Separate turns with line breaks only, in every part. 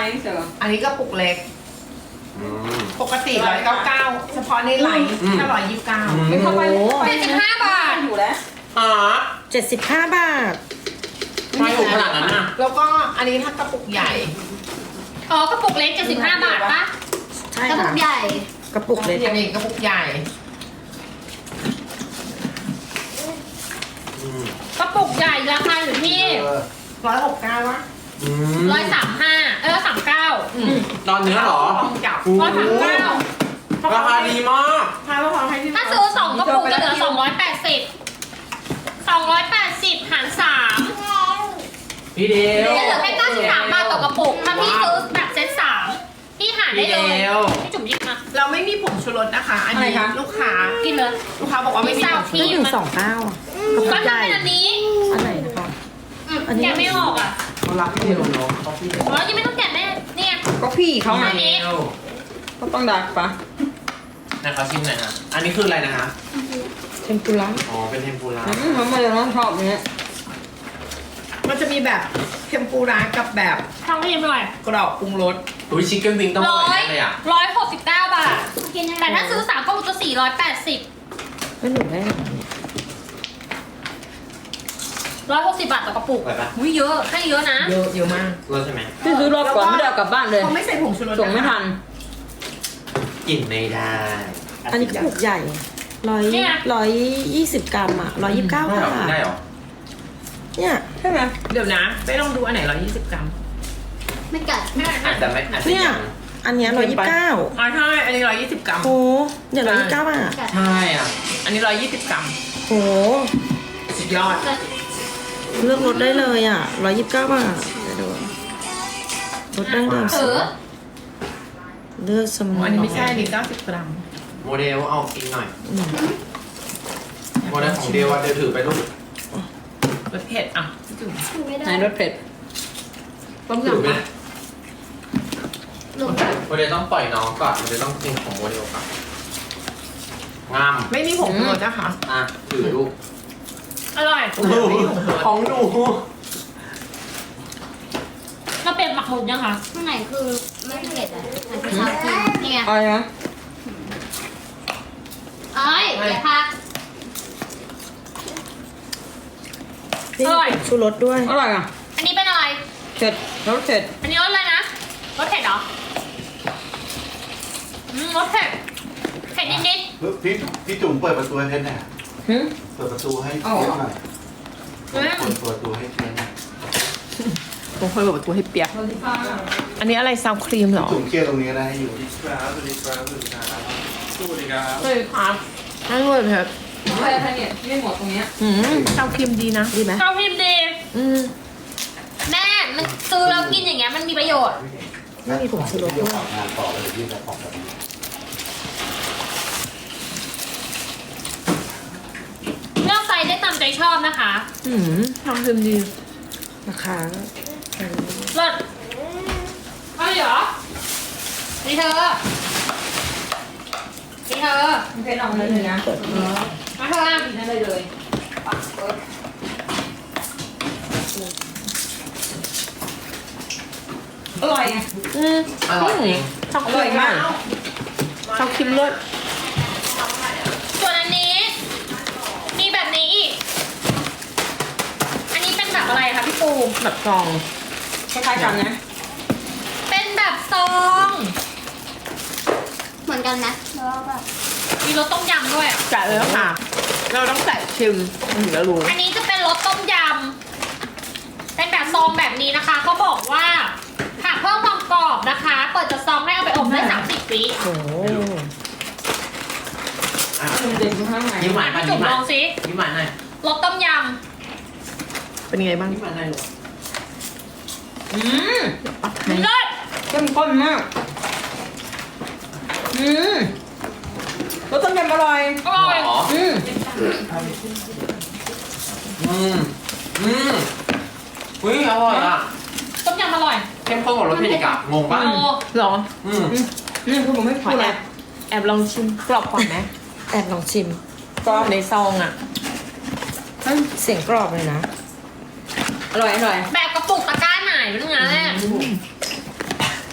เสือ
อันนี้ก็ปุกเล็ก
อืม
ปกติ199เฉพาะในไลน์แค่129
ไม่เข้าไป
75 บาท
อยู่แล้ว
อ๋อ
75 บาท
ไม่ถูกขนาดนั้นนะ
แล้วก็อันนี้ถ้ากระปุกใหญ่
อ๋อกระปุกเล็ก75 บาทปะ
ใช่
กระปุ
ค่ะ
กใหญ่
กระปุกเล็ก
อันนี้กระปุกใหญ่
อืม
กระปุกใหญ่ราคาอยู่ที่
169วะ
อืม
135 139
ตอนเนื้อเหรอ
ลองจับ
โอ้โห
139
ราคาดีมาก
ถ้าเราพอให้ที่
ถ้าซื้อ2กระปุกจะเหลือ280 280 หาร 3
พี่เดว
จะเหลือแค่93 บาทต่อกระปุก ถ้าพี่ซื้อแบบเซ็ต3พี่หารได้เลย
พี่เดว
พี่จุ๋มหยิบมา
เราไม่มีผงชูรสนะคะ อันนี้ลูกค้า
กินเลย
ลูกค้าบอกว่าไม่มีผงชู
ไม่
รส
ถึง29อ่ะกระปุ
ก็
กให
ถ้า
ญ่
เป็นอันนี้
อันไหนนะคะ อันนี้
แกะไม่ออกอ่ะ
เขารักพี่เดวเนาะเขาพี่เดว
อ๋อยังไม่ต้องแกะแม่เนี่ย
ก็พี่เขาไง
อันนี้
ก็ต้องดักปะ
นะเขาชิมหน่อยฮะอันนี้คืออะไรนะฮะ
เทมปุระ
อ๋อเป็นเทมปุระ
มันไม่ได้ร้องชอบเนี้ย
มันจะมีแบบเทมปุระกับแบบ
ทำให้ยิ้มหน่อย
กรอบปรุงรส
อุ้ยชิคเก้นวิงต้องอร่อยแน่เลยอ่ะ
169 บาท แต่ถ้าซื้อ3กระปุกจะ480
ไม่หนูได้
160 บาทต่อกระปุก
อร่อยปะ
อุ้ยเยอะให้เยอะนะ
เยอะเยอะมาก
รสใช่ไหม
พี่ซื้อรอบก่อนไม่ได้เอากลับบ้านเลย
เขาไม่ใส่ผงชูรส
ส่งไม่ทัน
กินไม่ได้
อันนี้กระปุกใหญ่120 กรัมอ่ะ129
ได้
บา
เหรอ
ท
ได้เหรอ
เนี่ย
ใช่ไหม
เดี๋ยวนะไปลองดูอันไหน120 กรัม
ไม่กัด
อาจจะไม่อาจจะ
เนี่ย
ยัง
อันเนี้ย129
อ๋อใช่อันนี้120 กรัม
โอ้เนี่ย129 บาท
ใช่อ่ะ
อันนี้120 กรัม
โห
สุดยอด
เลือกรถได้เลยอ่ะ129 บาทเดี๋ยวดูรถดั้งเดิม
เอ
สุด
อ
เลือกสม
อันนี้ไม่ใช่อันนี้90 กรัม
โมเดลเอากินหน่อยโมเดลของเดียวว่าเดี๋ยวถือไปลูก
รสเผ็ดอ่ะพี่จุ๋ม
ไหนรสเผ็ด
ต้ม
ถือไป
ยำปะ
โมเดลต้องปล่อยน้องก่อนโมเดลต้องกินของโมเดลก่อนงาม
ไม่มีผงชูรสนะคะ
อ่ะถือลูก
อร่อย
ของหนู
เราเปลี่ยนหมักหมุนยังคะข้างในคือไม่เผ็ดอ่ะมันคือชาคีนี่ไง
อะไรนะ
เอ้ยอย่าพัก
นี่
อร่อย
ชูรสด้วย
อร่อยอ่ะ
อันนี้เป็นอะไร
เผ็ดรสเผ็ด
อันนี้รสอะไรนะ รสเผ็ดเหรอรสเผ็ด เผ็ดนิด
พี่จุ๋มเปิดประตูให้เพชรหน่อย
หึ
เปิดประตูให้เพชรหน่อย
ๆ
เปิดประตูให้เพชรหน่อย
ผมเคยบอกว่าตัวให้เปียก อันนี้อะไรซาวครีมเหรอ
จุ๋มเคลียร์ตรงนี้ก็ได้ให้อยู่
เลยครับนั่นเลยเผ็ด
อะไรคะเนี่ยไม่หมดตรงเนี้ย
ซาวครีมดีนะ
ดีไหม
เจ้าพิมพ์ดี
อืม
แม่ มันซื้อแล้วกินอย่างเงี้ยมันมีประโยชน์
ไม่มีผงชูรส
เดี๋ยว
ด้วย
ออกงานต่อแล้วเดี๋ยวยื่นไปของแบบนี้
เลือกไซส์ได้ตามใจชอบนะคะ
ซาวครีมดี
ราคา
รสเอาเหรอนี่เธอนี่เธอ
เผ็ดออกมาเลยนะ
มาเธอ
นั่นเลยเลยอร่อยไง
อร่อยจริง
ซาวครีมมากซาวครีมเลิศ
ส่วนอันนี้ มีแบบนี้อีก อันนี้เป็นแบบอะไรคะพี่ปู
แบบซอง
คล้ายๆกันนะ
เป็นแบบซอง เหมือนกันนะแล้วแบบมีรสต้มยำด้วยอ่ะ
แกะเลยแล้วค่ะ เราต้องแกะชิมมันถึงจะรู้
อันนี้จะเป็นรสต้มยำ เป็นแบบซองแบบนี้นะคะ เขาบอกว่าหากเพิ่มความกรอบนะคะ เปิดจากซองให้เอาไปอบได้30 วิ
โอ้โห
อ่ะ
มันเด่นอยู่ข้างใน
ยิ้มหวาน
พี่
มา
จุ๋
ยิ้
ม
มห
ล
วา
อน งสิ
ยิ้มหวานหน่อย
รสต้มย
เป็นไงบ้าง
ยิ้มหวานหน่อยลูก
อืม
ำเลิศ
เข้มข้นมากรสต้มยำอร่อย
อร่อย
หรอ
อืม
อุ้ยอร่อยอ่ะ
ต้มยำอร่อย
เข้มข้นกว่ารสเผ็ดอีกอ่ะงงปะ
โอ้
เหรอ
นี่คือผมไม่
ขอ
พูด
แอ
เลย
บแอบลองชิมกรอบก่อนไหม
แอบลองชิม
กรอบในซองอ่ะ
เสียงกรอบเลยนะ
อร่อยอร่อย
แบบกระปุกตะกร้าไหนเป็นไงแม่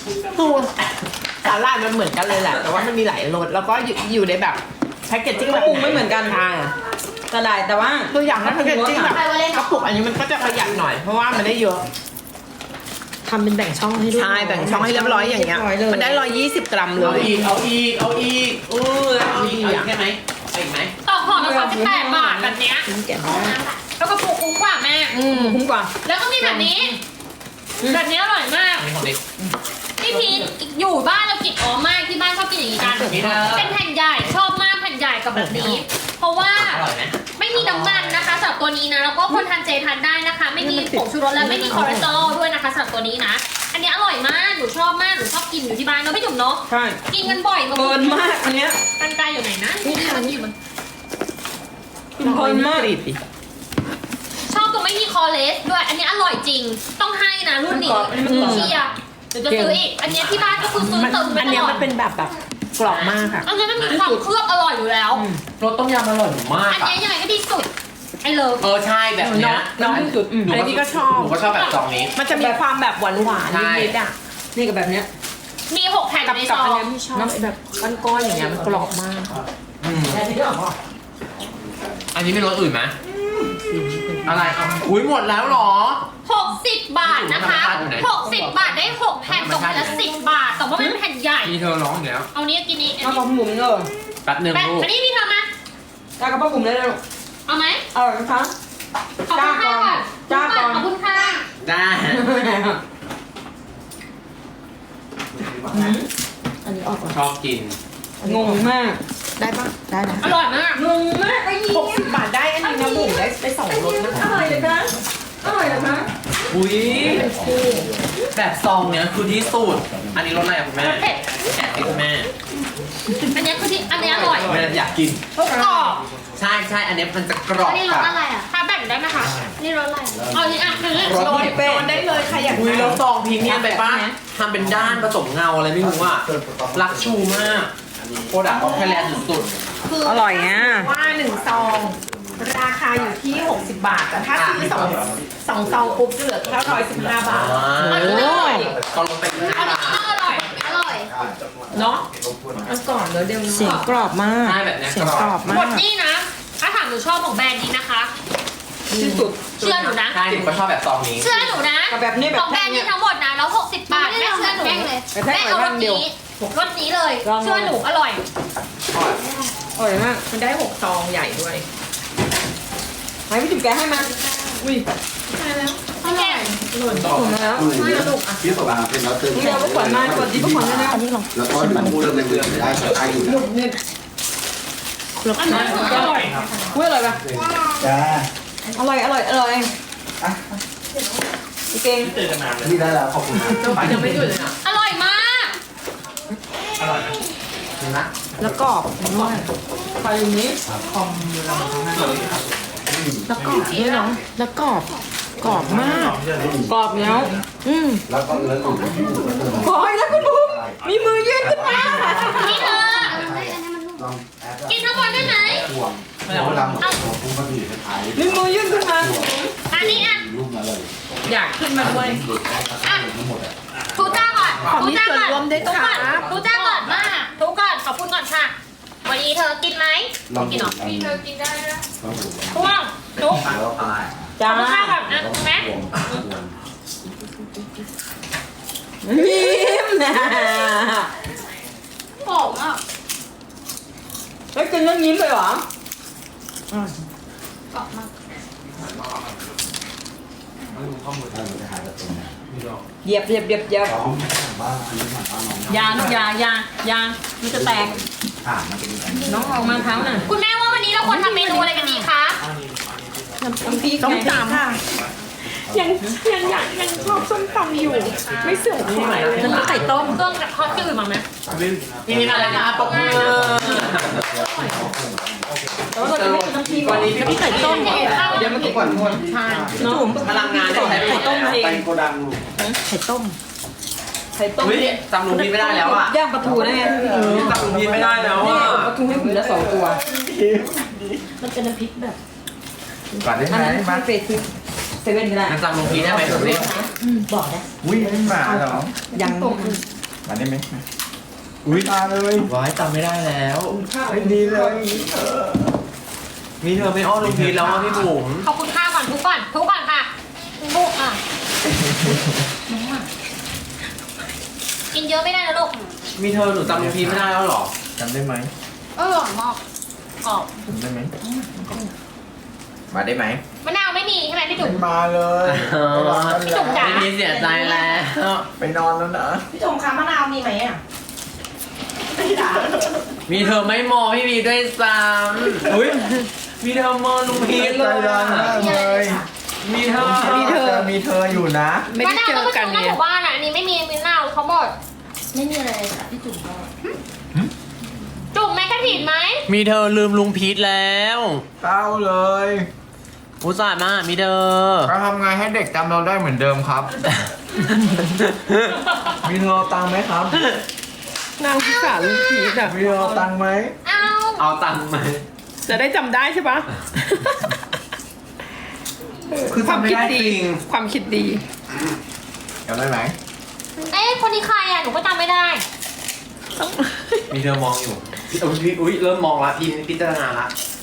ตัวสาหร่ายมันเหมือนกันเลยแหละ แต่ว่ามันมีหลายรสแล้วก็อยู่ในแบบแพ็กเกจจิ้ง
กระปุกไม่เหมือนกัน
ใช่
กระดาษแต่ว่า
ตัวอย่างนั้นแพ็กเกจจิ้งแบบกระปุกอันนี้มันก็จะประหยัดหน่อยเพราะว่ามันได้เยอะ
ทำเป็นแบ่งช่องให้ด้วย
ใช่แบ่งช่องให้เรียบร้อยอย่างเงี้ย
รีบร้ล
มันได้120 กรัมเล
เอา
ย
อีกเอาอีกเอาอีกเอาอีกใช่ไหมเอาอีกไหม
ต่อห่อละ38 บาทแบบเนี้ย
ชิ้นแกะมาก
แล้วก็ปลูกคุ้มกว่าแม่
คุ้มกว่า
แล้วก็มีแบบนี้ แบบนี้อร่อยมาก
อันนี้ของเด็ก
พี่พีทอยู่บ้านเรากินอ๋อมากที่บ้านชอบกินอย่างนี้กัน
นี่เธอ
เป็นแผ่นใหญ่ชอบมากแผ่นใหญ่กับแบบนี้ เพราะว่า
อร่อยไหม
ไม่มีน้ำมันนะคะสำหรับตัวนี้นะแล้วก็คนทานเจทานได้นะคะ ไม่มีผงชูรสและไม่มีคอเลสเตอรอลด้วยนะคะสำหรับตัวนี้นะ อันนี้อร่อยมากหนูชอบมากหนูชอบกินอยู่ที่บ้านเนาะพี่จุ๋มเนาะ
ใช่
กินกันบ่อยมาก
เบิร์นมากอันเนี้ย
กันไกลอยู่ไหนนะนี่มันอยู่มัน
กินเพลินมาก
ชอบตัวไม่มีคอเลสด้วย อันนี้อร่อยจริงต้องให้นะรุ่นนี้เชียร์เดี๋ยวจะซื้ออีกอันนี้ที่บ้านก็คือซื้อเติมไป
อัน
ต
เนี้ย
ลอ
มั
ด
นเป็นแบบกรอบมากค่ะ
อันนี้มันมีความเคลือบอร่อยอยู่แล้ว
รสต้มยำอร่อยมาก
อัน
อ่ะ
นี้ยังไงก็ดีสุดไอ้เลิฟ
ใช่แบบเนี้ย
น้อง
ที่สุด
หนู
อันนี้ก็ชอบ
หนูก็ชอบแบบซองนี้
มันจะมีความแบบหวานๆนิดๆอ่ะ
นี่กับแบบเนี้ย
มี6แผ่น
กับ
ใน
กั
ซ
บ
อ
อัน
ง
เนี้ยที่ชอบแบบก้อนๆอย่างเงี้ยมันกรอบมาก
อันนี้มีรสอื่นไหมอะไรอ่ะอุ้ยหมดแล้วเหรอ
60 บาทนะคะ
อยู่ไหน
60 บาทได้6แผ่นตกแผ่นละ10 บาท แต่ว่าเป็นแผ่นใหญ่
มีเธอร้องอีกแล้ว
เอานี้กินนี้อัน
เอา
นี้
กระปุกเลย
แป๊บหนึ่ง
แป้ง
ลูก
อันนี้พี่ทำมา
จ้ากระปุกเลยเลย
เอาไหม
อร่อยนะคะ
ขอบคุณค่ะก่อน
จ้าก่อน
ขอบคุณค่ะ
ได้
อันนี้ออกก่อน
ชอบกิน
งงมาก
ได้ปะได้นะ
อร่อยมาก
งงมากไอ้นี่
60 บาทได้อันนี้นะบุ๋มได้สองรสนะคะ
อร่อยเลยคะอร่อยเลยคะ
อุ้ยแบบซองเนี้ยคือที่สุด อันนี้รสอะไรอ่ะคุณแม่
เผ็ด
แอบให้คุณแม่
อันนี้คือที่อันนี้อร่อย
แม่อยากกิน
ทุกกรอบ
ใช่ใช่อันนี้มันจะกรอบ
อันนี้รสอะไรอ่ะถ้าแบ่งได้ไหมคะนี่รสอะไรเอาอันนี้อ่ะคือ
รส
โดน
เป๊ะ
ได้เลยใครอยาก
อุ้ย
ได้
แล้วซองพรีเมียมไปป้ะทำเป็นด้านผสมเงาอะไรไม่รู้อ่ะรักชูมากโปรดักต์ของไทยแลนด์สุด
อร่อยอ่ะ
ว่า1 ซอง ราคาอยู่ที่ 60 บาท แต่ถ้าซื้อสองซองปุ๊บจะเหลือแค่115 บาท
ๆ
อันนี้อร่อย
ก็ลงไป5
อัน
บา
นี้
ท
อร่อยอร่อย
เนาะมันก่อนแล้วเดี๋ยว
เสียงกรอบมาก
ใช่แบบเนี้ย
เสียงกรอบ
หม
มา
ด
ก
นี่นะ ถ้าถามหนูชอบของแบรนด์นี้นะคะ
ที่สุด
เชื่อหนูนะ
ใช่หนูก็ชอบแบบซองนี้
เชื่อหนูนะ
กับแบบนี้แบ
ข
บ
องแบรนด์นี้ทั้งหมดนะแล้ว60 บาทแม่เชื่อหนู
แม่
แม่เอารสนี้รสนี้เลย เชื่อหนูอร่อย
อร่อยมาก
มันได้6 ซองใหญ่ด้วย
ไหนพี่จุ๋มแกให้มาอุ้ย
อร่อย
ผมแล้ว
พี่สบายเป็นแล้วตึง
นี่เราก็ขวัญมาขวัญดีพวกขวัญเลยนะ
อันนี้ลอง
แล้วก็พูดเรื่องเดือนได้ได้อยู่นะ
อันนี้อร่อย
อุ้ยอร่อยปะ
จ้า
อร่อยอร่อยอร่อยพี่เก่ง
พี่ได้แล้วขอบคุณนะ
ยังไม่หยุดเลยอ่ะ
อร่อยมาก
นะ
แล้วกรอบด้วย
ไปอยู่นี้
แล้วกรอบด้วยเนาะแล้วกรอบกรอบมาก
กรอบแล้ว
แล้วก็แล้วก็
ขอให้นะคุณบุ๊มมีมือยื่นขึ้นมา
นี่เธอ
ลองแอด
กินทั้งหมดได้ไหม
ห่วงเวลาหมดตัวพุ่งมาดีท้าย
มีมือยื่นขึ้นมา
อันนี้อ่ะ
รูปมาเลย
อยากขึ้นมาด้วย
หลุดได้ทั้งหมดอ่ะ
ทูจ้าก่อน
ขอมีส่วนร่วมด้วยค่ะ
ทูจ้าก่อนมากทูก่อนขอบคุณก่อนค่ะ วันนี้เธอกินไหม
ลอง
กินเหรอ
เธอกินได้นะลองดู
ทุกทุก
แล้วอะไร
จ้า
ขอบคุณค่ะก่อนนะแม่
ห่วง
ยิ้มนะ
หอมอ่ะ
แล้วกินแล้วยิ้มเลยเหรอ
กรอบมาก
จะหายแล้วตรงนี้
เหยียบเหยียบเหยียบเหยียบ
ซ้อมบ้านอันนี้บ้านน้อง
ยาลูกยายามันจะแตก
ผ่านมาเป็นยังไง
น้องออกมาเท้าน่ะ
คุณแม่ว่าวันนี้เราควรทำเมนูอะไรกันดีคะ
น้ำพริก
ต้ม
ไง
ตำยังชอบส้มตำอยู่ ไม่เสื่อมคลายเลย
น้ำพริกไข่ต้ม
เครื่องกับทอดจืดมาไหม
นี่อะไรนะปกมือ
แต่ว่าเราจะไม่กินน้ำพริกก่อน
วันนี้พี่ไข่ต้ม
เดี๋ยวมากินก่อนคน
ใช่
น้อง
พลังงานได้ใช้
ไข่ต้มเอง
ไปโกดังลูก
ไข่ต้ม
ไข่ต้ม
เฮ้ยจำลุงพีไม่ได้แล้วอ่ะ
ย่างปลาทูนะไง
จำลุงพีไม่ได้แล้ว
นี่
อ่ะ
ไงปลาทูให้ผมละ2 ตัว
มันเป็นน้ำพริกแบบ
ก่อนได้
อัน
ไหม
นั้นมาเฟสซิเซเว่นก็ได้
มันจำลุงพีได้ไหมผมนี่
บอกนะ
อุ้ยไม่มาเหรอ
ยัง
มาได้ไหม
อุ้ย
มาเลย
ว้ายจำไม่ได้แล้ว
ไม่ดีเลย
มีเธอไม่อ้อนลุงพีทแล้วอ่ะพี่บุ๋ม
ขอบคุณค่าก่อนทุกก่อนค่ะลูกอ่ะกินเยอะไม่ได้นะลูก
มีเธอหนูจำลุงพีทไม่ได้แล้วเหรอ
จำได้ไหม
อร่อยมากกรอบ
จำได้ไหมมาได้ไหม
มะนาวไม่มีใช่ไหมพี่จุ๋ม
ไม่มาเลยไปนอนกัน
พี่จุ๋มจ๋า
ไม่มีเสียใจแล้ว
ไปนอนแล้วนะ
พี่ชมคะมะนาวมีไหมอ่ะ
มีเธอไม่มองพี่พีทด้วยซ้ำอุ้ยมีเธอมองลุงพีทเล
ใจ
ย
ร้อนมากเลย
มีเธอ
มีเธออยู่นะ
ไม่
มะ
ได้
นาว
เจ
ต้อ
อง
ไป
กั
ซื้
น
อหน้า
เนี่
ห
ย
มู่บ้านอ่ะอันนี้ไม่มีมะนาวเขาหมดไม่มีอะไรค่ะพี่จุ๋มก็จุ๋มแม่กระถิ่นไหม
มีเธอลืมลุงพีทแล้ว
เศร้าเลย
อุตส่าห์มามีเธอ
เราทำไงให้เด็กจำเราได้เหมือนเดิมครับ มีเธอเอาตังค์ไหมครับ
นางพิสารลูกพีชอ่ะ
มีเธอเอาตังค์ไหม
เอา
เอาตังค์ไหม
จะได้จำได้ใช่ปะ
คือ
ความ
จำไม่
คิด
ได้
ดี
จริง
ความคิดดี
จำได้ไหม
เอ๊ะคนนี้ใครอ่ะหนูก็จำไม่ได้
ต้อง
มีเธอมองอยู่อุ้ยเริ่มมองละพิจารณาละ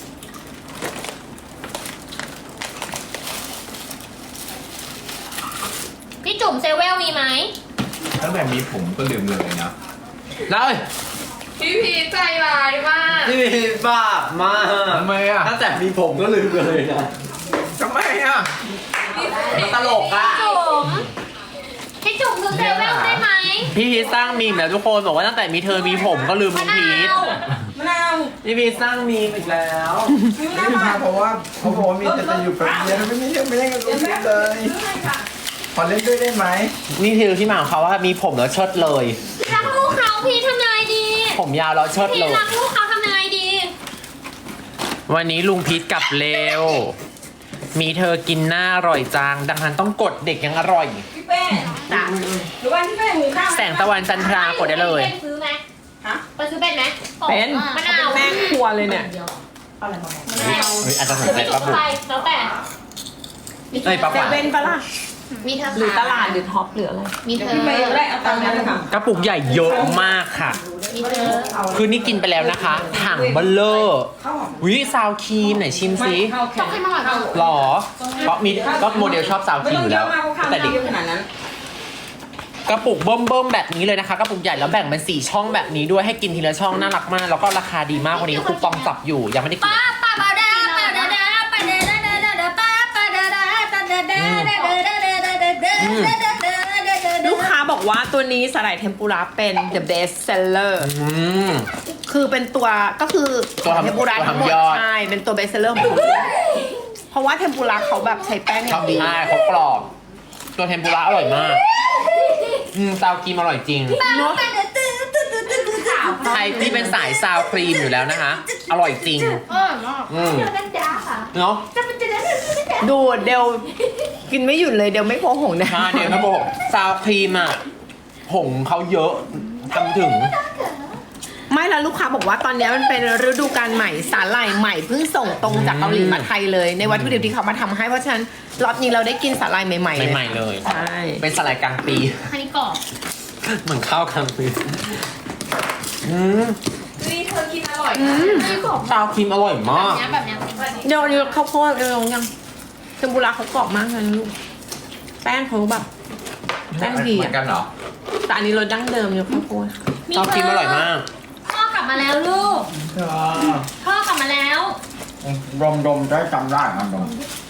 พี่จุ๋มเซเวลมีไหม
ตั้งแต่มีผมก็ลืมเลยนะ
แล้ว
พี่พีใจร้ายมาก
พี่พีทบ้ามาก
ทำไมอ่ะ
ตั้งแต่มีผมก็ลืมเลยนะ
ทำไมอ่ะ
ตลกอ่ะ
พี่จุ๋มคือเซเวลได้ไหม
พี่พีทสร้างมีมแล้วทุกคนบอกว่าตั้งแต่มีเธอมีผมก็ลืมลุ
มะ
ง
นา
พีท
ว
มะนาว
พี่พีทสร้างมีมอีกแล้ว
ไม่ได้มาเพราะว่าเขาบอกว่ามีแต่จะอยู่แป๊บเดียวไม่เล่นไม่เล่นกับลูกพี่เลยขอเล่นด้วยได้ไหม
นี่คือที่มาของเขาว่ามีผมแล้วเชิดเลย
รักลูกเขาพี่ทำยังไงดี
ผมยาวแล้วเชิด
พี่
เลย
รักลูกเขาทำยังไงดี
วันนี้ลุงพีทกลับเร็ว มีเธอกินหน้าอร่อยจัง ดังนั้นต้องกดเด็กยังอร่อย
พี่เป้หรือว่าพี่เป้หุงข้าว
แสงตะวันจันทรากดได้เลย
เป็นซื้อไหม
ฮะ
ไปซื้อเป็นไหม
เป็น
มะนาว
แม่ครัวเลยเนี่ย
อะไรมาบอก
มะนาว
เฮ้ยอาจจะสน
หรือ
ใจ
พี่จุ๋
ป้าม บุ๋ม
ไปแล้วแต่
เอ้ยป้า
เซ
ป๋า
เว่นปะล่ะ
มีเธอ
หรือตลาดหรือท็อปหรืออะไร
มีเธอ
พี่เป้ได้เอาตังค์นั้นเลยค่ะ
กระปุกใหญ่เยอะมากค่ะ
มีเธอ
คือนี่กินไปแล้วนะคะ ถังเบลเลอร์
ข้าวหอม
วิซาวครีมไหนชิม
ไม่
ซิ
ข้าวแข็
ต้อง
ง
ให้มาหน่อยค่ะ
หรอเพราะมีก็โมเดลชอบซาวค
ไม่
รีม
ต้อ
อง ยู่
เย
แล้
อะ
ว
มากเพราะข้าว
แต่
ไม่
เด็ก
เยอะขนาดนั้น
กระปุกเบิ่มๆแบบนี้เลยนะคะกระปุกใหญ่แล้วแบ่งเป็น4ช่องแบบนี้ด้วยให้กินทีละช่องน่ารักมากแล้วก็ราคาดีมากวันนี้คูปองจับอยู่ยังไม่ได้กิน
ป้าป้าป้าดาป้าดาดาป้าดาดาดาดาดาป้าป้าดาดาป้าดาดาดาดาดาดาดาดาดาดาดาดา
ลูกค้าบอกว่าตัวนี้สาหร่ายเทมปุระเป็น the best seller
อืม
คือเป็นตัวก็คือ
ตัวทำ
เทมปุระทั้งหมด
ตัวทำยอด
ใช่เป็นตัว best seller ของเขาเพราะว่าเทมปุระเขาแบบใช้แป้งอย่างดี
ใช่เขากรอบตัวเทมปุระอร่อยมากซาวครีมอร่อยจริง
เนาะ
ใครที่เป็นสายซาวครีมอยู่แล้วนะคะ อร่อยจริงอืมเนาะ
ดูเดลกินไม่หยุดเลยเดลไม่โกหกนะ
ใช่เนี่ยครับผมซาวครีมอ่ะผงเขาเยอะทำถึง
ไม่แล้วลูกค้าบอกว่าตอนนี้มันเป็นฤดูกาลใหม่สาหร่ายใหม่เพิ่งส่งตรงจากเกาหลีมาไทยเลย ในวัตถุดิบที่เขามาทำให้เพราะฉะนั้นรอบนี้เราได้กินสาหร่ายใหม่ๆเลย
ใหม่ๆเลย
ใช่
เป็นสไลด์กลางปี
อันนี้กรอบ
เหมือนข้าวกลางปีอืม
นี่เธอกินอร่อย
ไม่กรอบ
ซาวครีมอร่อยมาก
แบบเนี้ย
เดี๋ยวนี้ข้าวโพดเดี๋ยวยังเทมปุระเขากรอบมากเลยนะลูกแป้งเขาแบบแป้งดี
เหมือ
อ่ะ
นกันเหรอ
แต่อันนี้รสดั้งเดิมอยู่ข้าวโพด
ซาวครีมอร่อยมาก
พ่อกลับมาแล้วลูกพ่อกลับมาแล้ว
ดมได้จำได้มันดม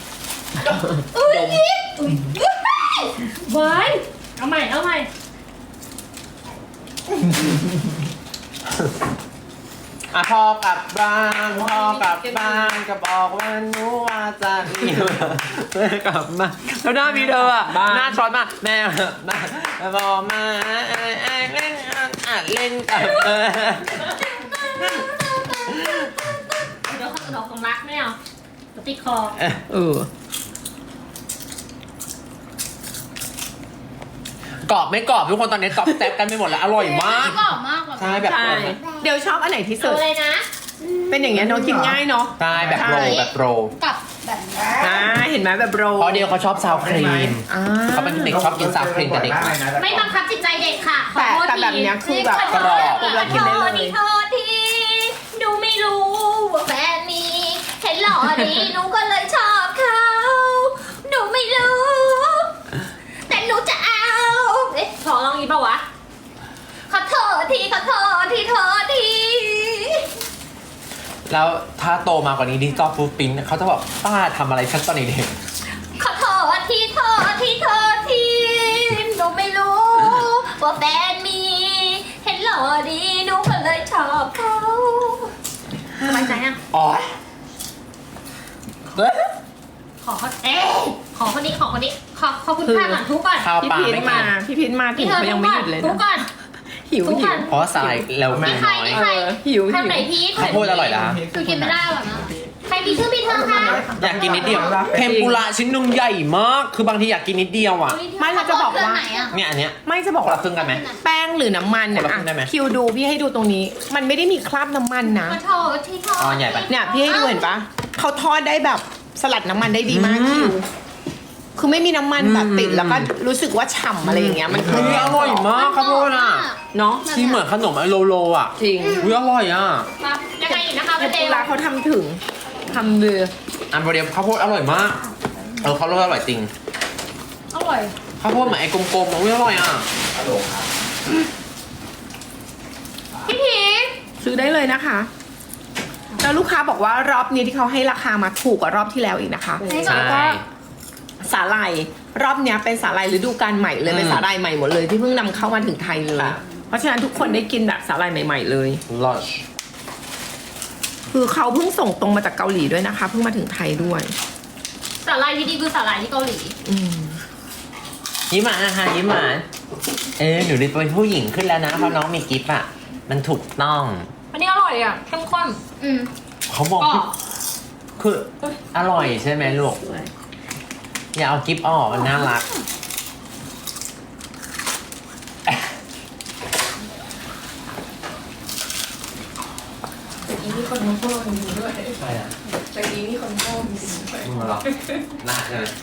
เว้ยเอาใหม่เอาใหม่
พ่อกลับบ้านพ่อกลับบ้านก็บอกว่าหนูว่าจะมีแม่กลับมาแล้วหน้ามีเธออ่ะหน้าช็อตมากแม่บอกมาเล่นเล่นกับเธอ
เดี๋ยวเขาของรักไม่เอาเดี๋ยวติดคอ
เออก
รอบไม่กรอบทุกคนตอนนี้กรอบแซ่บกันไปหมดแล้วอร่อยมาก
กรอบมาก
ใช่แบบ
ใช่เดี๋ยวชอบอันไหนที่สุ
เอา
ด
เลยนะ
เป็นอย่างเงี้ยเนาะกินง่ายเนาะ
ใช่แบบโรลแบบโรล
กับแบ
เห็นไหมแบบโร
เพราะเดียวเขาชอบซาวครีม
อ่า
เขาเป็นเด็กชอบกินซาวครีมแต่เด็ก
ไม่บังคับจิตใจเด็กค่ะขอโทษ
แต่แบบเนี้ยคือแบบ
ขอโทษ
กรอบเรากินได้เลย
โทษทีหนูไม่รู้ว่าแฟนมีเห็นหล่อดีหนูก็เลยชอบเขาหนูไม่รู้ แต่หนูจะเอาเอ๊ะขอลองอีกเปล่าวะขอโทษทีขอโทษทีโทษที
แล้วถ้าโตมากกว่านี้ดิจิตอลฟูดปิ้นเขาจะบอกป้าทำอะไรฉันตอนเด็ก
ขอโทษทีโทษทีโทษทีหนูไม่รู้ว่าแฟนมี เห็นหล่อดีหนูก็เลยชอบเขาสบายใจยัง
อ๋อ
ขอคนนี้ขอคุณค่าก่อนทุกก่อน
ข้าว
พี่
ปลา
พีท
ไม่
มา
กิน
พี่พีทมาถึงเขายังไม่หยุดเลย
ทุก
นะ
ก่อน
หิว
ทุก
หิ
ก่อ
วน
เพราะว่าสายเรากิน
ใคร
น้อย
นี่ใคร
หิว
ทำไหนพีท
ข้าวโพดอร่อยนะ
คือกินไม่ได้หรอนะใครมีชื่อพีทเธอคะ
อยากกินนิดเดียวเทมปุระชิ้นนุ่มใหญ่มากคือบางทีอยากกินนิดเดียวอ่ะ
ไม่เราจะบอกว่า
ไหนอะ
เนี่ยอันเนี้ย
ไม่จะบอก
คนละ
ว่า
ครึ่งกันไหม
แป้งหรือน้ำมันเนี่ย
คนละครึ่งได้ไหม
คิวดูพี่ให้ดูตรงนี้ มันไม่ได้มีคราบน้ำมันนะ
ขอโทษทีโทษ
อ๋อใหญ่ไป
เนี่ยพี่ให้ดูเห็นปะเขาทอดได้แบบสลัดน้ำมันได้ดีมากคิว คือไม่มีน้ำมันแบบติดแล้วก็รู้สึกว่าฉ่ำอะไรอย่างเงี้ยมันคือ
อุ๊ยอร่อยมากข้าวโพดอ่ะ
เนาะ
ที่เหมือนขนมไอโลโลอ่ะ
จริง
อุ้ยอร่อยอ่ะ
ครับยังไงอีกนะคะ
แต่
พี่เจ
เว
ล
ลาเขาทำถึงทำเรือ
อันเดียวข้าวโพดอร่อยมากข้าวโพดอร่อยจริง
อร่อย
ข้าวโพดเหมือนไอ้กลมๆอุ้ยอร่อยอ่ะ
พี่พีท
ซื้อได้เลยนะคะ แล้วลูกค้าบอกว่ารอบนี้ที่เขาให้ราคามาถูกกว่ารอบที่แล้วอีกนะคะ
ใช่
แล้วก็สาหร่ายรอบเนี้ยเป็นสาหร่ายฤดูกาลใหม่เลยเป็นสาหร่ายใหม่หมดเลยที่เพิ่งนำเข้ามาถึงไทยเลย เพราะฉะนั้นทุกคนได้กินแบบสาหร่ายใหม่ๆเลย
ลอช
คือเขาเพิ่งส่งตรงมาจากเกาหลีด้วยนะคะ เพิ่งมาถึงไทยด้วย
สาหร่ายที่ดีคือสาหร่ายที่เกาหลี
อืม
ยิ้มหวานนะคะยิ้มหวานหนูได้เป็นผู้หญิงขึ้นแล้วนะเพราะน้องมีกิฟต์อ่ะมันถูกต้อง
อันนี้อร่อยอ่ะเข้มข้น
เขาบอก
ก็
คืออร่อยใช่ไหมลูกอย่าเอากิฟต์ออกมันน่ารัก
มีคนมาโพสต์ด้วย
ใช่อ่ะ
ตะกี้มีคนโพสต์ด้วย
มึงมาหรอน่าใช่ไหม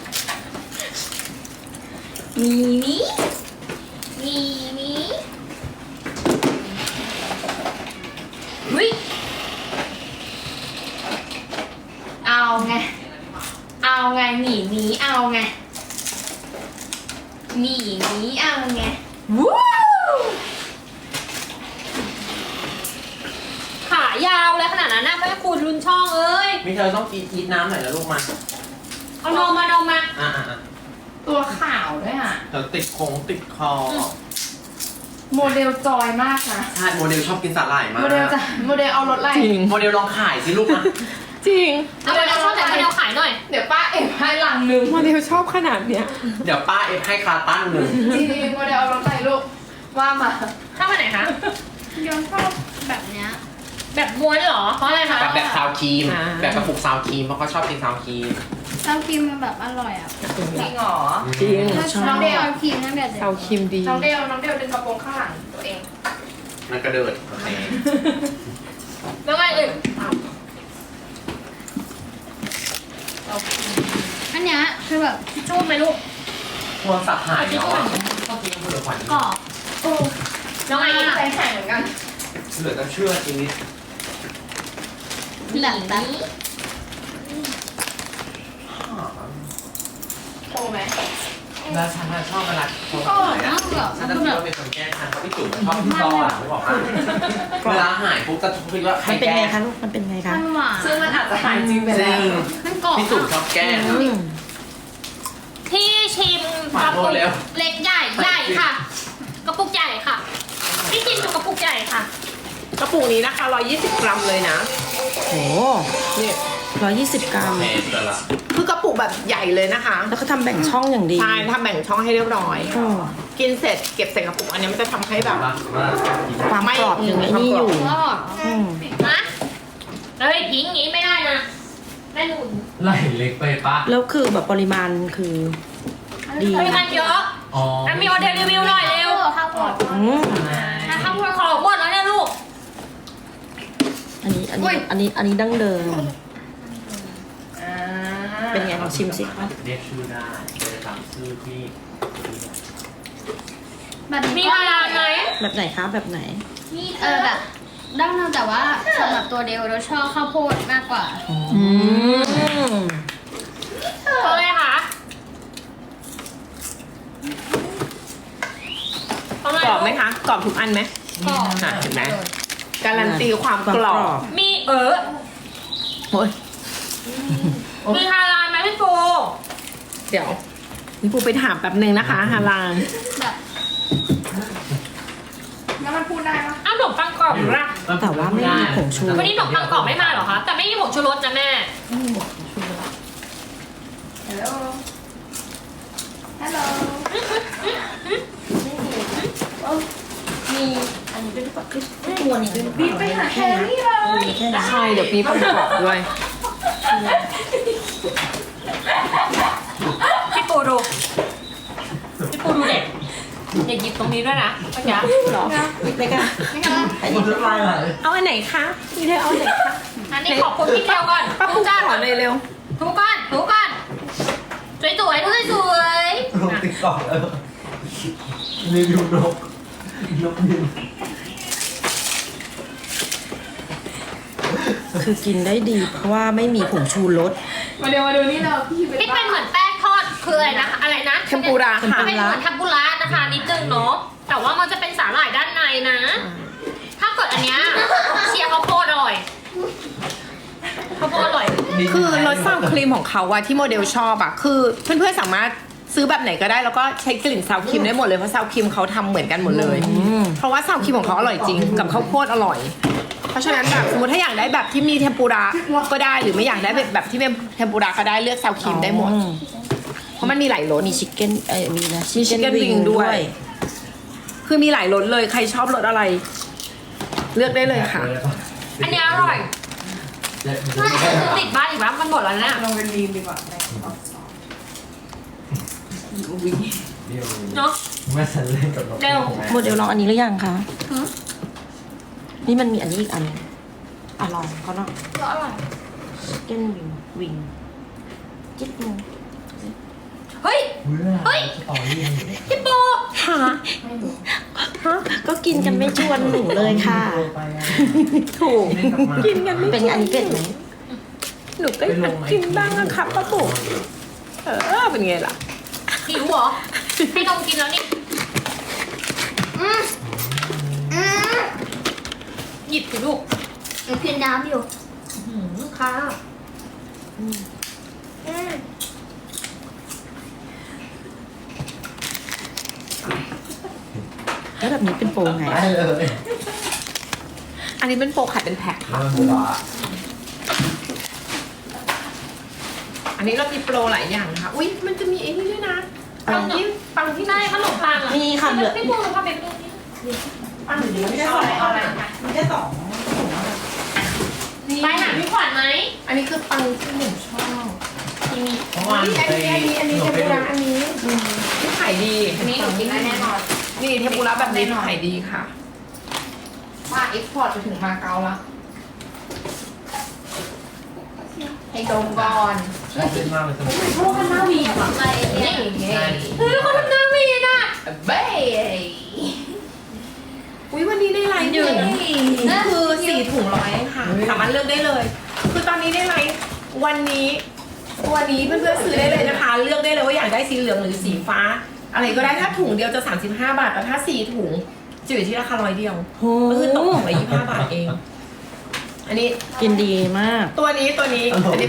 มีนี้มีนี้วิเอาไงหนีนี้เอาไงหนีนี้เอาไงวู้ขายาวเลยขนาดนั้นนะแม่คุณรุนช่องเอ้ย
มีเธอต้องกินน้ำหน่อยนะลูกมา
เอานมมา
อ่ะ
ตัวขาวด้วยอ่ะ
เดี๋ยวติดคงติดคอ
โมเดลจอยมากนะ
ใช่โมเดลชอบกินสาหร่ายมาก
โมเดลเอารถอะไร
จริง
โมเดลลองขายสิลูกนะ
จริง
เอาไปเอาช่องไหนไปเอาขายหน่อย
เดี๋ยวป้าเอ็มให้หลังนึง
โมเดลชอบขนาดเนี้ย
เดี๋ยวป้าเอฟให้คาตั้งหนึ่ง
จริงๆโมเดลเอารถอะไรลูกว่ามา
เข้ามาไหนคะ
ยอนชอบแบบเนี้ย
แบบม้วนเหรอ เพราะอะไรคะ
แบบซาวครีม แบบกระปุกซาวครีมเพราะเขาชอบกินซาวครีม
ซาวครีมมันแบบอร่อยอ่ะ
จริงเหรอ
จริง
น้องเดลซาวครีมตั้งแต่เด็ก
เซาคิมดี
น้องเดลดึงกระโปรงข้างหลังตัวเอง
มันกระเดิดโอเค
แล้วไงอีก
อันเนี้ยคือแบบ
จูบไหมลูก
โทรศัพท์หายเนาะชอบกินเผือกขวัญ
กรอบแล้วไงอีก
ใจแข็งเหมือนกัน
เหลือจะเชื่อชีวิต
แบบแบบ
โตไหม
แล้วฉันน่ะชอบเวลาโทร
ก็
ศัพท์หาย
น่าแบบ
ฉันจะคิดว่าเป็นคนแกล้งฉันเพราะพี่จุ๋มชอบพี่ต้อนไม่บอกว่าเวลาหายปุ๊บจะคิดว่าใคร
มันเป็น
แกล้
ไง
ง
คะลูก มันเป็นไงคะ
มันหวาน
ซึ่งมันอาจจะหายจริงไป
จ
แล้
ริ
ว
ง
มันกรอบ
พี่จุ๋มชอบแกล้ง
ที่ชิม
ขอก
ระ
โท
ปุ
ษ
ก
เร็ว
เล็กใหญ่ค่ะ กระปุกใหญ่ค่ะที่ชิมอยู่กระปุกใหญ่ค่ะ
กระปุกนี้นะคะ120 กรัมเลยนะ
โห
นี่
120 กรัม
แพงแต่ละ
คือกระปุกแบบใหญ่เลยนะคะ
แล้วเขาทำแบ่งช่องอย่างดี
ใช่ทำแบ่งช่องให้เรียบร้อย
โอ้
กินเสร็จเก็บใส่กระปุกอันนี้มันจะทำให้แบบ
ความกรอบยังไงนี่อยู่
อร่อย
อืม
นะเฮ้ยทิ้งอย่างนี้ไม่ได้นะแม่หนุน
ไหลเล็กไปปะ
แล้วคือแบบปริมาณคือดี
ปริมาณเยอะ
อ๋อ
แล้วมีออเดอร์รีวิวหน่อยเร็ว
ข้าวโพด
อืม
ทำคนขอหมดแล้วเนี่ยลูก
อันนี้ดั้งเดิม
อ่า
เป็นไงลองชิมสิคะ
เรียกชื่อได้เลยตามชื่อที่
แบบ
มี
นี้ก็
ฮาลาลไหม
แบบไหนคะแบบไหน
แบบดั้งเดิมแต่ว่าสำหรับตัวเดียวเราชอบข้าวโพดมากกว่า
เพราะอะไรคะเพราะอะไร
กรอบไหมคะกรอบทุกอันไหม
กรอบ
เห็นไหมการันตีความกรอบ
มี
โอ้ย
มีฮาลาลไหมพี่ปู
เดี๋ยวนี่ปูไปถามแป๊บนึงนะคะฮาลาน
แบบ
แล้วมันพูดได้ปะ
อ้าวขนมปังกรอบหรือล่ะ
แต่ว่าไม่มีผงชู
วันนี้ขนมปังกรอบไม่มาเหรอคะ แต่ไม่มีผงชูรสนะแม่
ฮัลโหลฮัลโหล
มีอันนี้ด้วยป่ะตัวนี้ด้วย
บีบไปหาแฮร์รี่เลย
แค่นี้
ใช่เดี๋ยวปีประกอบด้วย
พี่ปูดู พี่ปูดูเด็กอย่าหยิบตรงนี้ด้วยนะเมื่อกี้
หรอเล็กๆอ่ะ
อันนี้จะมาไหน
เอาอันไหนคะมีเธอเอาอันไหนคะ
อันนี้ขอบคุณพี่เทลก่อน
ป้าปู
จ้า
ขอหน่อยเร็ว
ทุกคนทุกคนสวยสวยๆสวย
ลงติ๊กต็อกแล้วรีวิวนกนกบิน
คือกินได้ดี เพราะว่าไม่มีผงชูรส
มาเดี๋ยวมาดูนี่เราพี่
ๆที่เป็นเหมือนแป้งทอดคืออะไรนะคะอะไรนะ
เทมปุระค่ะ
เป็นเหมือนทัมปุระนะคะนิดนึงเนาะแต่ว่ามันจะเป็นสาหร่ายด้านในนะ ถ้าเกิดอันเนี้ยเชียร์ข้าวโพดอร่อยข้าวโพดอร่อย
คือรสซาวครีมของเขาอะที่โมเดลชอบอะคือเพื่อนๆสามารถซื้อแบบไหนก็ได้แล้วก็ใช้กลิ่นซาวครีมได้หมดเลยเพราะซาวครีมเขาทำเหมือนกันหมดเลย เพราะว่าซาวครีมของเขาอร่อยจริงกับข้าวโพดอร่อย เพราะฉะนั้นแบบสมมติถ้าอยากได้แบบที่มีเทมปุระก็ได้หรือไม่อยากได้แบบที่เป็นเทมปุระก็ได้เลือกซาวครีมได้หมด เพราะมันมีหลายรส
มีชิคเก้นมีนะ
มี chicken wing ด้วย คือมีหลายรสเลยใครชอบรสอะไร เลือกได้เลยค่ะ
อันเนี้ยอร่อยน่าจะซื้อติดบ้านอีกแล้วมันหมดแล้วเนี่ย
ลงเป็นมีมดีกว่า
เนาะ
แม่ฉันเล่นกับนก
เร็ว
โมเดลลองอันนี้หรือยังคะนี่มันมีอันนี้อีกอันอ่ะลองเขาเนาะ
ก็อร่อย
ชิคเก้นวิงจิ๊ดนึง
เฮ้ย เฮ้ย
สตอรี่มันอยู่ใน
พี่ปู
ฮะก็กินกันไม่ชวนหนูเลยค่ะ
ถูก กินกันไม่
เป็นไงอันนี้เผ็ดไหม
หนูก็อยากกินบ้างนะครับป้าปุ๋เป็นไงล่ะ
หิวเหรอ ให้นมกินแล้วนี่หยิบสิลูก
กินน้ำอยู่
ค่ะ
แล้วแบบนี้เป็นโปรไง
ได้เลย
อันนี้เป็นโปรขายเป็นแพ็ค
แล้ว
ค่ะ
มันหวาน
อันนี้เรามีโปรหลายอย่างนะคะอุ้ยมันจะมีไอ้นี่ด้วยนะปังที่
ได้ขนมปังอ่ะ
มีค่ะเหลือ
พี่ปูพาไปดูนี่
ปังหรือไม่ชอบอะไร
มันจะสอง
ไปหาพี่ขวัญไหม
อันนี้คือปังที่หนูชอบ
เพราะว่า
อันนี้เทมปุระอันนี้ที่ขายดี
อันนี้หนูกินได้แน่นอน
นี่เทมปุระแบบนี้ขายดีค่ะมาเอ็กพอร์ตไปถึงมาเก๊าแล้วให้ดมก่อน
ชอบเล่นมากเลยสนุก
พวกมันน่าวีอ่ะไปนี่ เฮ้ยเขาทำหน้าวีน่ะ
เบ้อุ้ยวันนี้ได้ไลฟ์อยู่นี่คือ4 ถุงร้อยค่ะ สามารถเลือกได้เลย คือตอนนี้ได้ไลฟ์วันนี้เพื่อนๆซื้อได้เลยนะคะ เลือกได้เลยว่าอยากได้สีเหลืองหรือสีฟ้า อะไรก็ได้ถ้าถุงเดียวจะ35 บาทแต่ถ้า4 ถุงจะอยู่ที่ราคา100 เดียว
โอ้
ก็คือตกถุงละ25 บาทเอง อันนี้
กินดีมาก
ตัวนี้อันนี้